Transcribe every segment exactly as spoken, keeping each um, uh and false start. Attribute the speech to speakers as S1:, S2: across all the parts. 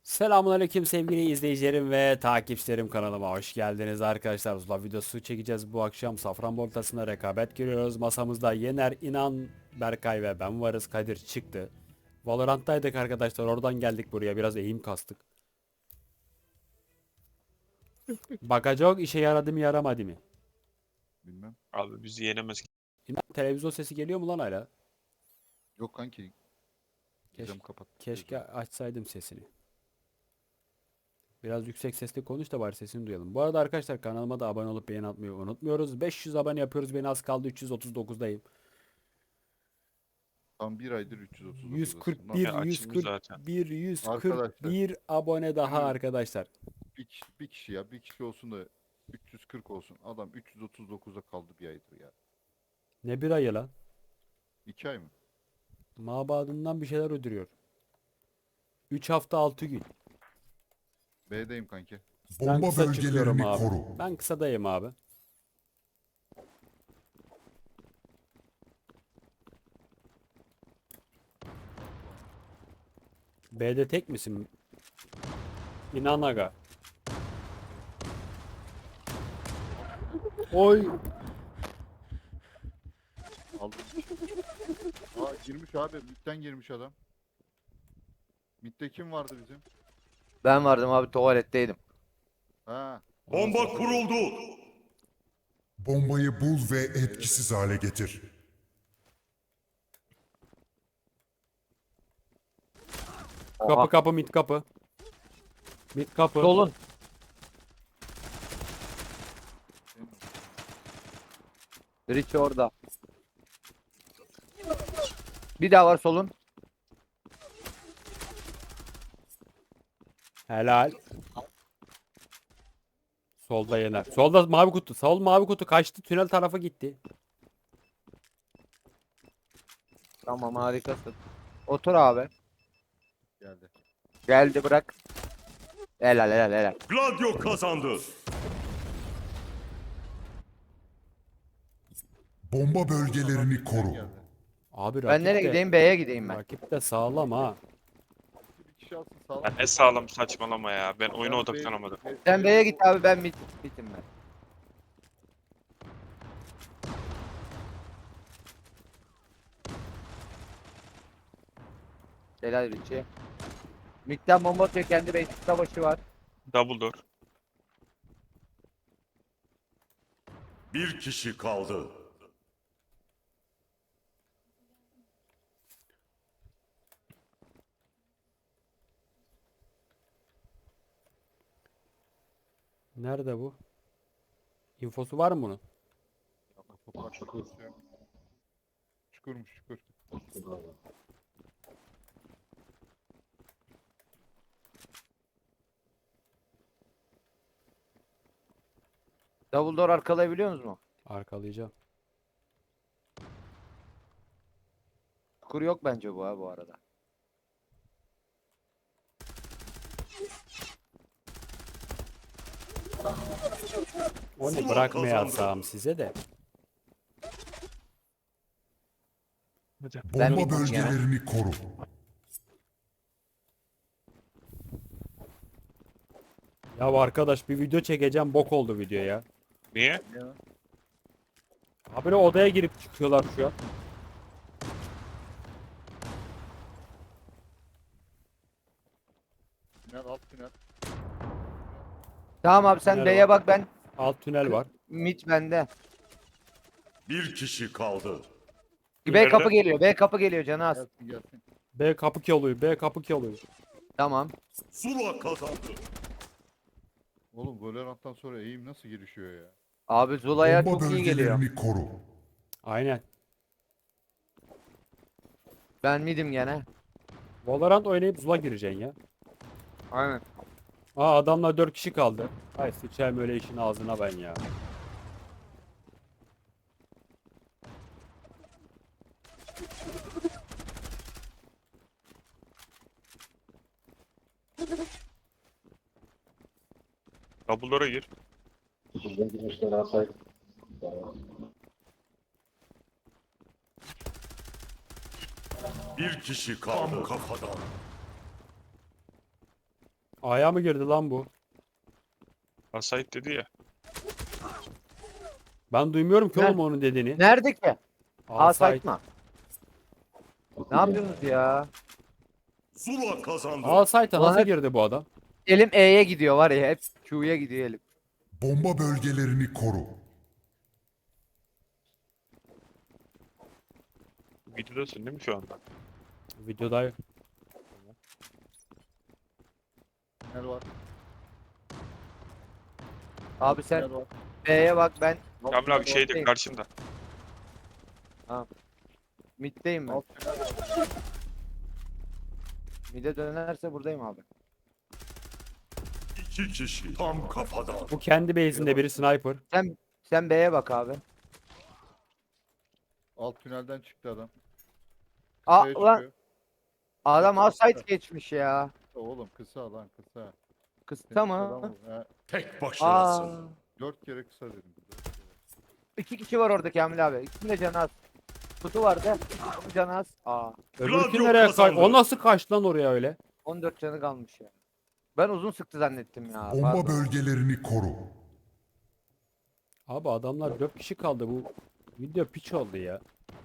S1: Selamünaleyküm sevgili izleyicilerim ve takipçilerim, kanalıma hoş geldiniz arkadaşlar. Zula videosu çekeceğiz bu akşam. Safranbolu ortasında rekabet görüyoruz. Masamızda Yener, İnan, Berkay ve ben varız. Kadir çıktı. Valorant'taydık arkadaşlar. Oradan geldik buraya. Biraz eğim kastık. Bakacak işe yaradı mı yaramadı mı?
S2: Bilmem.
S3: Abi bizi yenemez.
S1: İnan, televizyon sesi geliyor mu lan hala?
S2: Yok kanki.
S1: Keş-
S2: Gizem kapat.
S1: Keşke açsaydım sesini. Biraz yüksek sesle konuş da bari sesini duyalım. Bu arada arkadaşlar, kanalıma da abone olup beğeni atmayı unutmuyoruz. beş yüz abone yapıyoruz. Beni az kaldı. üç yüz otuz dokuzdayım.
S2: Tam bir aydır üç yüz otuz dokuz'dasın.
S1: yüz kırk bir,
S3: Ya açıldı zaten.
S1: yüz kırk bir,
S2: Arkadaşlar.
S1: yüz kırk bir abone daha
S2: Evet.
S1: arkadaşlar.
S2: Bir kişi, bir kişi ya. Bir kişi olsun da üç yüz kırk olsun. Adam üç yüz otuz dokuz'a kaldı bir aydır ya.
S1: Ne bir ayı lan?
S2: iki ay mı?
S1: Mabadından bir şeyler ödürüyor. üç hafta altı gün.
S2: B'deyim kanki.
S1: Ben
S4: Bomba
S1: kısa çıkıyorum
S4: bölgelerini
S1: abi.
S4: koru.
S1: Ben kısadayım abi. B'de tek misin? İnan aga. Oy.
S2: Aldım. Aa girmiş abi. Mid'den girmiş adam. Mid'de kim vardı bizim?
S5: Ben vardım abi, tuvaletteydim.
S2: Ha.
S6: Bomba kuruldu.
S4: Bombayı bul ve etkisiz hale getir.
S1: Kapı
S5: Oha.
S1: kapı mid kapı. Mid kapı.
S5: Solun. Rich orada. Bir daha var solun.
S1: Helal. Solda Yener. Solda mavi kutu. Sol mavi kutu kaçtı. Tünel tarafa gitti.
S5: Tamam, harikasın. Otur abi.
S2: Geldi.
S5: Geldi, bırak. Helal helal helal.
S6: Gladio kazandı.
S4: Bomba bölgelerini koru.
S2: Geldi.
S1: Abi
S5: Ben
S1: rakip
S5: nereye
S1: de-
S5: gideyim? B'ye gideyim ben.
S1: Rakip de sağlam ha.
S2: Bir kişi alsın sağlam.
S3: Ya ne sağlam saçmalama ya. Ben oyuna
S2: Ben
S3: odaklanamadım.
S2: B-
S5: Sen B'ye git abi, ben mid, bitim ben. Helal Richie. Mid'den bomba atıyor, kendi base savaşı var.
S3: Double door.
S6: Bir kişi kaldı.
S1: Nerede bu? İnfosu var mı bunun?
S2: Kapı çukur. Çukurmuş çukur.
S5: Double door arkalayabiliyor musunuz mu?
S1: Arkalayacağım.
S5: Kur yok bence bu ha bu arada.
S1: Onu
S6: Zula
S1: bırakmayacağım size de.
S5: Ben
S4: Bomba
S5: bilmiyorum ya.
S4: bölgelerini koru.
S1: Ya arkadaş, bir video çekeceğim, bok oldu video ya.
S3: Niye?
S1: Habire odaya girip çıkıyorlar şu an.
S2: Tünel alt tünel.
S5: Tamam abi, sen
S1: Merhaba.
S5: B'ye bak, ben
S1: Alt tünel var.
S5: mid bende.
S6: Bir kişi kaldı.
S5: B
S3: Nerede?
S5: kapı geliyor. B kapı geliyor, canı az.
S2: Gelsin gelsin.
S1: B kapı ki oluyor. B kapı ki oluyor.
S5: Tamam.
S6: Zula kazandı.
S2: Oğlum Valorant'tan sonra eğim nasıl gelişiyor ya?
S5: Abi Zula'ya
S4: Bomba
S5: çok iyi geliyor.
S4: bölgelerini koru.
S1: Aynen.
S5: Ben midim gene.
S1: Valorant oynayıp Zula gireceksin ya.
S5: Aynen.
S1: Aa, adamlar dört kişi kaldı. Ay sıçayım öyle işin ağzına ben ya.
S3: Double door'a gir.
S6: Bir kişi kaldı. Tam kafadan.
S1: A'ya mı girdi lan bu?
S3: Asayt dedi ya.
S1: Ben duymuyorum ki
S5: Nerede?
S1: oğlum onun dediğini.
S5: Nerede ki?
S1: A
S5: A
S1: site.
S5: site mı? Ne yapıyorsunuz ya?
S6: Zula kazandı.
S1: A site'a
S5: Ulan
S1: nasıl
S5: hep-
S1: girdi bu adam?
S5: Elim E'ye gidiyor var ya, hep Q'ya gidiyor elim.
S4: Bomba bölgelerini koru.
S3: Videodasın değil mi şu anda?
S1: Videoda
S2: Tünel var.
S5: Abi sen
S2: Tünel var.
S5: B'ye bak, ben
S3: Kamil abi şeyde
S5: Oradayım.
S3: karşında.
S5: mid'deyim ben.
S2: Alt tünel var.
S5: Mid'e dönerse buradayım abi.
S6: İki kişi tam kafadan.
S1: bu kendi base'inde biri sniper.
S5: Sen sen B'ye bak abi.
S2: Alt tünelden çıktı adam.
S5: Aa
S2: Kısaya
S5: ulan
S2: çıkıyor.
S5: adam A
S2: Kısa.
S5: site geçmiş ya.
S2: Oğlum kısa lan kısa.
S5: Kısa
S2: Adam
S5: mı?
S2: ol. Ha,
S6: Tek
S5: Aa.
S6: başınasın.
S2: dört kere kısa dedim. Dört kere.
S5: İki kişi var orada Kamil abi. İkisinin de canı az. Kutu vardı. Onun canı az. Aa.
S1: Öbürkü
S6: Gladio
S1: nereye kaç?
S6: kazandı.
S1: O nasıl kaçtı lan oraya öyle?
S5: on dört canı kalmış ya. Ben uzun sıktı zannettim ya.
S4: Bomba
S5: Pardon.
S4: bölgelerini koru.
S1: Abi adamlar dört kişi kaldı, bu video piç oldu ya.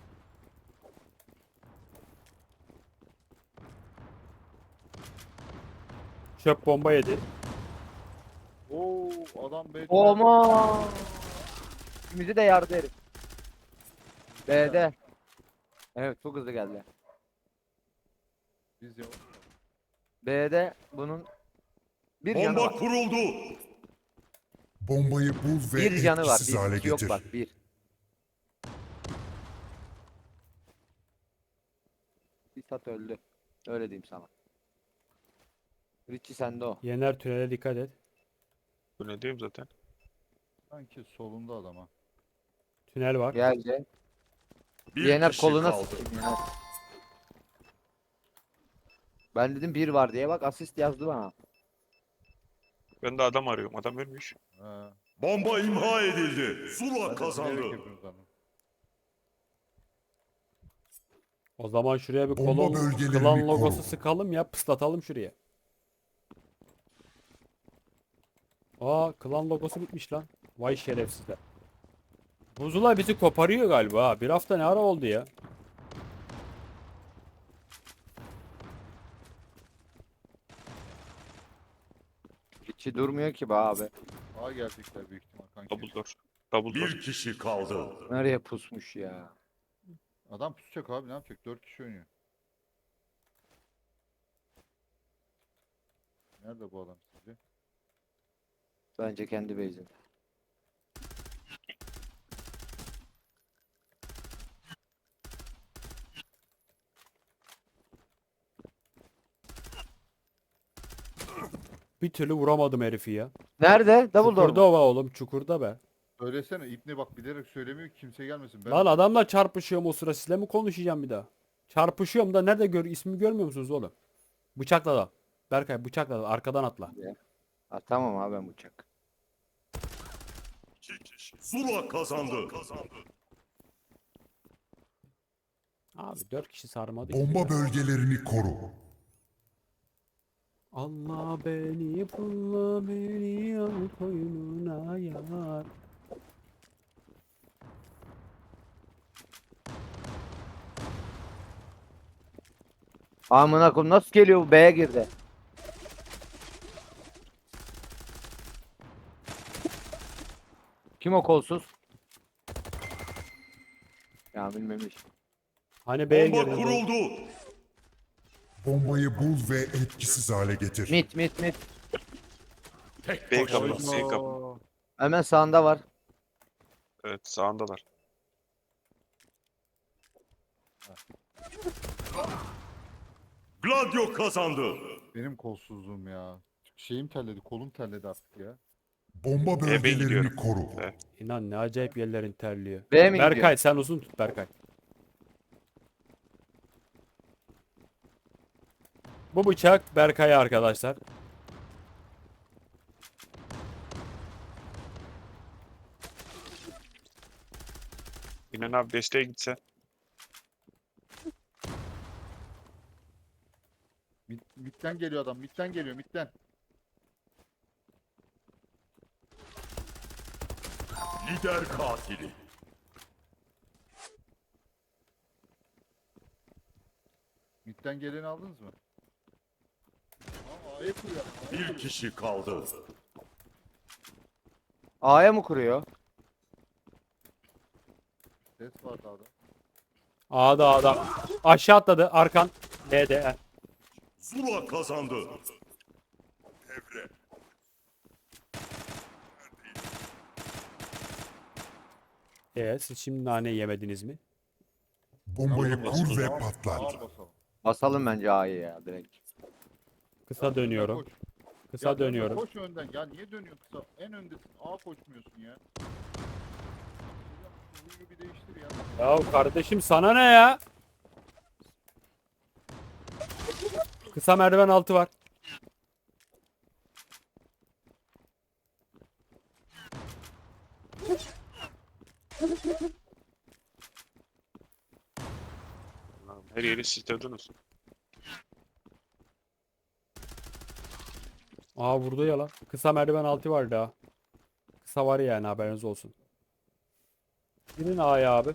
S1: Çöp bomba yedi.
S2: Oo adam B tünelde.
S5: Oma. İkimizi de yardı herif. B'de. Evet, çok hızlı geldi.
S2: Biz ya.
S5: B'de bunun bir canı
S6: Bomba
S5: var.
S6: kuruldu.
S4: Bombayı bul ve
S5: Bir canı var.
S4: etkisiz hale
S5: Bir iki yok
S4: getir.
S5: bak. Bir. Bir sat öldü. Öyle diyeyim sana. Richie sende o.
S1: Yener tünele dikkat et.
S3: Bu ne diyeyim zaten.
S2: Sanki solunda adam ha.
S1: Tünel var.
S5: Geldi.
S6: Bir
S5: Yener
S6: kişi
S5: koluna
S6: kaldı.
S5: sıkayım Yener. Ben dedim bir var diye, bak asist yazdı bana.
S3: Ben de adam arıyorum. Adam ölmüş.
S2: Ha.
S6: Bomba imha edildi. Zula
S2: Ben de
S6: kazandı.
S2: bilerek yapıyorum sandım.
S1: O zaman şuraya bir
S4: Bomba
S1: kolon
S4: bölgelerini
S1: klan logosu
S4: koru.
S1: sıkalım ya, pıslatalım şuraya. Aa, klan logosu bitmiş lan. Vay şerefsizler. Buzula bizi koparıyor galiba ha. Bir hafta ne ara oldu ya?
S5: Richie durmuyor ki be abi.
S2: A gelecekler büyük ihtimal kanki.
S3: Double door. Double door.
S6: Bir kişi kaldı.
S5: Nereye pusmuş ya?
S2: Adam pusacak abi, ne yapacak? dört kişi oynuyor. Nerede bu adam sizce?
S5: Bence kendi base'inde.
S1: Bir türlü vuramadım herifi ya.
S5: Nerede? Double door
S1: Çukurda
S5: mu?
S1: ova oğlum, çukurda be.
S2: Söylesene İbni, bak bilerek söylemiyor ki kimse gelmesin. Ben
S1: Lan adamla çarpışıyorum o sıra, sizle mi konuşacağım bir daha? Çarpışıyorum da nerede gör, ismi görmüyor musunuz oğlum? Bıçakla da. Berkay bıçakla da, arkadan atla.
S5: Ha, tamam abi, ben bıçak.
S6: İki kişi. Zula kazandı.
S1: Abi dört kişi sarmadı ki.
S4: Bomba bölgelerini koru.
S1: Allah beni pulla beni al koynuna yar.
S5: Amına koyayım, nasıl geliyor bu? B'ye girdi. Kim o kolsuz? Ya bilmemiş.
S1: Hani B'ye
S6: Bomba
S1: girdi. bu?
S6: kuruldu.
S4: Bombayı bul ve etkisiz hale getir.
S5: Mit mit mit.
S6: Tek
S3: B kapı.
S6: başınasın.
S3: B kapı.
S5: Hemen sağında var.
S3: Evet sağındalar.
S6: Gladio kazandı.
S2: benim kolsuzluğum ya. Şeyim terledi, kolum terledi artık ya.
S4: Bomba
S3: Eve
S4: bölgelerini
S3: gidiyorum.
S4: koru.
S3: Evet.
S1: İnan ne acayip yerlerin terliyor.
S5: B'ye mi
S1: Berkay
S5: gidiyor?
S1: sen uzun tut Berkay. Bu bıçak Berkay'a arkadaşlar.
S3: İnan abi desteğe gitse.
S2: Mid, midden geliyor adam, midden geliyor, midden.
S6: Lider katili.
S2: Midden geleni aldınız mı? Aa, A'ya kuruyor.
S6: Bir kişi kaldı.
S5: A'ya mı kuruyor?
S2: Ses var dağda.
S1: A'da A'da. Aşağı atladı arkan. B'de.
S6: Zula kazandı. Devre.
S1: Evet siz şimdi nane yemediniz mi?
S4: Bombayı kur ve
S2: Ağır
S4: patlat.
S2: basalım.
S5: Basalım bence A'yı ya direkt.
S1: Kısa dönüyorum.
S2: Koş.
S1: Kısa
S2: Ya dönme,
S1: dönüyorum.
S2: Koş önden. Ya niye dönüyorsun kısa? En öndesin. A koşmuyorsun ya. Şu huyu bir değiştir ya.
S1: Ya kardeşim sana ne ya? Kısa merdiven altı var.
S3: Lan her yeri sitlediniz.
S1: Aa vurdu ya lan. Kısa merdiven altı var daha. Kısa var yani haberiniz olsun. Gidin A'ya abi.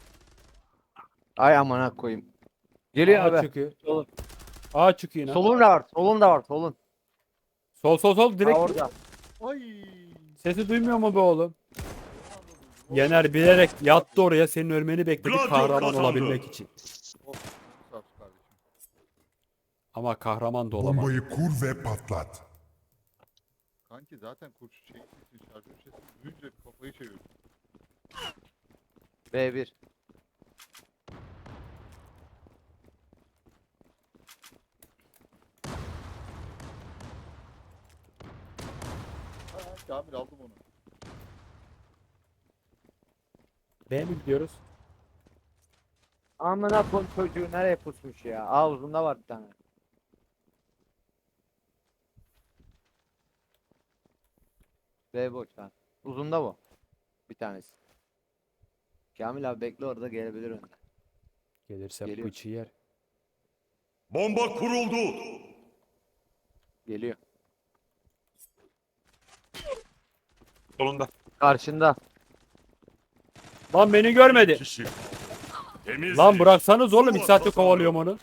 S5: Ay amına koyayım. Geliyor
S1: A
S5: abi.
S1: çıkıyor.
S5: Solun.
S1: A çıkıyor yine.
S5: Solun da var. Solun da var. Solun.
S1: Sol sol sol
S5: Ha,
S1: direkt.
S5: orada.
S2: Ay.
S1: Sesi duymuyor mu be oğlum? Yener bilerek yattı oraya senin ölmeni bekledi
S6: Gladio
S1: kahraman
S6: kazandı.
S1: olabilmek için.
S2: Of. Sağ ol kardeşim.
S1: Ama kahraman da olamaz.
S4: Bombayı kur ve patlat.
S2: Kanki zaten kurşun şey sesin şarjör sesini duyunca kafayı çeviriyorum.
S5: B bir.
S2: Ha, Kamil aldım onu.
S1: B mi gidiyoruz?
S5: Amına koyayım çocuğu nereye pusmuş ya? A uzunda var bir tane. B boş lan. Uzunda bu. Bir tanesi. Kamil abi bekle orada gelebilir önden.
S1: Gelirse
S5: Geliyor.
S1: bıçı yer.
S6: Bomba kuruldu.
S5: Geliyor.
S3: Solunda.
S5: Karşında.
S1: Lan beni görmedi.
S6: Kişi. Temiz.
S1: Lan bıraksanız oğlum iki saattir kovalıyorum onu.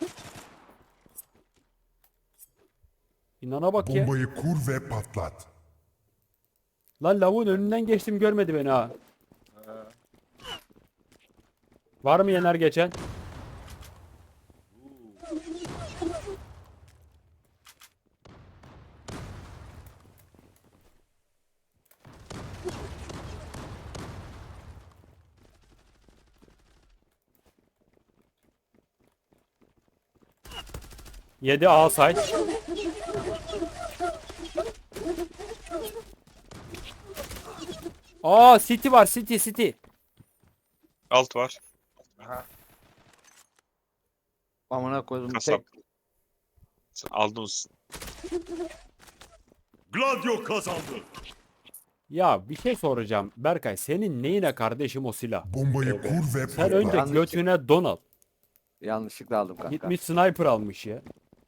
S1: İnana bak ya.
S4: Bombayı kur ve patlat.
S1: Lan lavuğun önünden geçtim görmedi beni ha.
S2: He.
S1: Var mı Yener geçen? Yedi A say. Aa City var City City.
S3: Alt var.
S5: Amına koydum.
S3: Kasap.
S5: Tek.
S3: Sen aldınız.
S6: Gladio kazandı.
S1: Ya bir şey soracağım. Berkay senin neyine kardeşim o silah?
S4: Bombayı kur ve
S1: Sen
S4: patlat.
S1: önce
S5: Yanlış-
S1: götüne don al.
S5: Yanlışlıkla aldım kanka.
S1: Gitmiş sniper almış ya.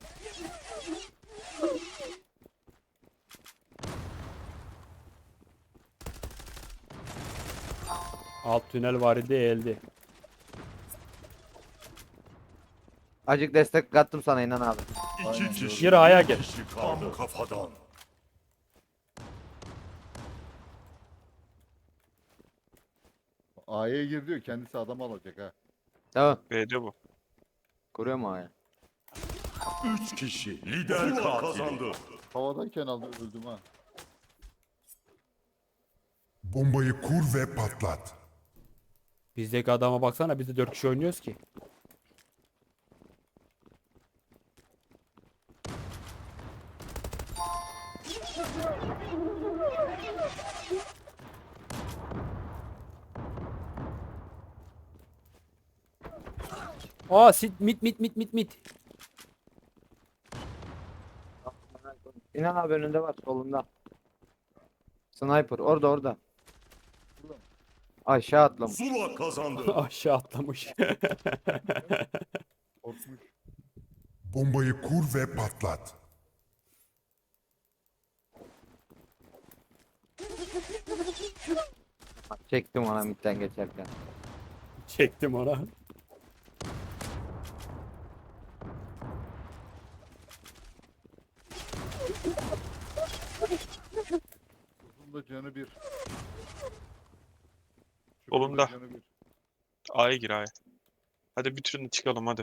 S1: Alt tünel var idi eldi.
S5: Acık destek kattım sana inan abi.
S6: İki kişi.
S1: Gir A'ya gel.
S6: Kişi kaldı. Kafadan.
S2: A'ya gir diyor kendisi adam alacak ha.
S5: Tamam.
S3: B'de bu.
S5: Kuruyor mu A'ya?
S6: Üç kişi. Lider katili. Kazandı.
S2: Havadayken aldı öldüm ha.
S4: Bombayı kur ve patlat.
S1: Bizdeki adama baksana biz de dört kişi oynuyoruz ki. Aa sit mit mit mit mit mit.
S5: İnan abi önünde var solunda. Sniper orada orada.
S2: Burada mı?
S5: Aşağı atlamış.
S6: Zula kazandı.
S1: Aşağı atlamış.
S2: Korkmuş.
S4: Bombayı kur ve patlat.
S5: Çektim ona midden geçerken.
S1: Çektim ona.
S2: Uzun da canı bir.
S3: Solunda.
S2: Çukurda canı bir.
S3: A'ya gir A'ya. Hadi bitirin de çıkalım hadi.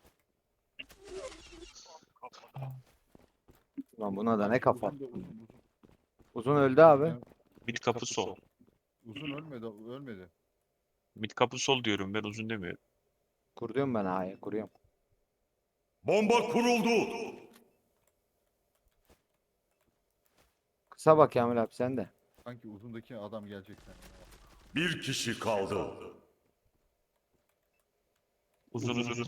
S5: Ulan buna da ne kafa.
S2: Uzun da uzun, uzun.
S5: Uzun öldü abi.
S3: Mid kapı sol.
S2: Uzun ölmedi, ölmedi.
S3: Mid kapı sol diyorum ben uzun demiyorum.
S5: Kuruyorum ben A'ya kuruyorum.
S6: Bomba kuruldu.
S5: Kısa bak Kamil abi sen de.
S2: Sanki uzundaki adam gelecekten.
S6: Bir kişi kaldı.
S3: Uzun uzun.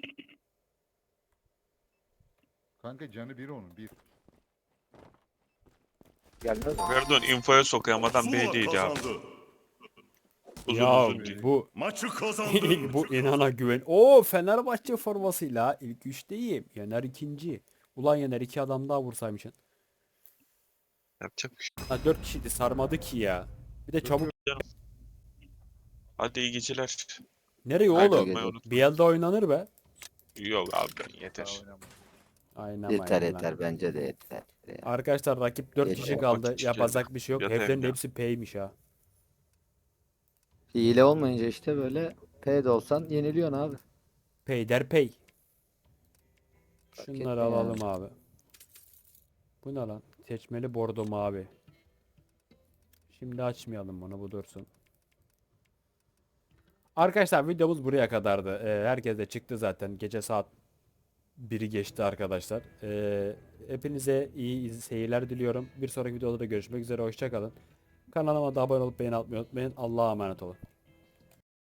S2: Kanka canı bir onun, bir.
S5: Gelmez mi?
S3: Pardon infoya sokayım adam
S6: Zula
S3: B'deydi abi.
S6: kazandı.
S3: Uzun
S1: Ya
S3: uzun değil.
S1: bu
S6: Maçı kazandı.
S1: bu inana güven. Oo Fenerbahçe formasıyla ilk üçteyim. Yener ikinci. Ulan Yener iki adam daha vursaymışsın.
S3: Yapacak bir şey.
S1: Ha dört kişiydi sarmadı ki ya. Bir de çabuk.
S3: Hadi iyi geceler.
S1: Nereye
S5: Hadi
S1: oğlum?
S5: gece.
S1: Bir elde oynanır be.
S3: Yok abi ben
S2: Daha
S3: yeter.
S2: oynamaz.
S1: Aynen
S5: Yeter
S1: aynen.
S5: yeter bence de yeter. Ya.
S1: Arkadaşlar rakip dört
S5: Yeter.
S1: kişi kaldı.
S3: Vakit
S1: Yapacak bir şey yok.
S3: Yeter
S1: Evlerin
S3: ya.
S1: hepsi P'ymiş ha.
S5: Hile olmayınca işte böyle P'de olsan yeniliyorsun abi.
S1: Pay der pay.
S5: Fark
S1: Şunları
S5: etmiyor
S1: alalım abi. Bu ne lan? Seçmeli bordo mavi. Şimdi açmayalım bunu, bu dursun. Arkadaşlar videomuz buraya kadardı. Ee, herkes de çıktı zaten. Gece saat biri geçti arkadaşlar. Ee, hepinize iyi iz- seyirler diliyorum. Bir sonraki videoda da görüşmek üzere. Hoşça kalın. Kanalıma da abone olup beğeni atmayı unutmayın. Allah'a emanet olun.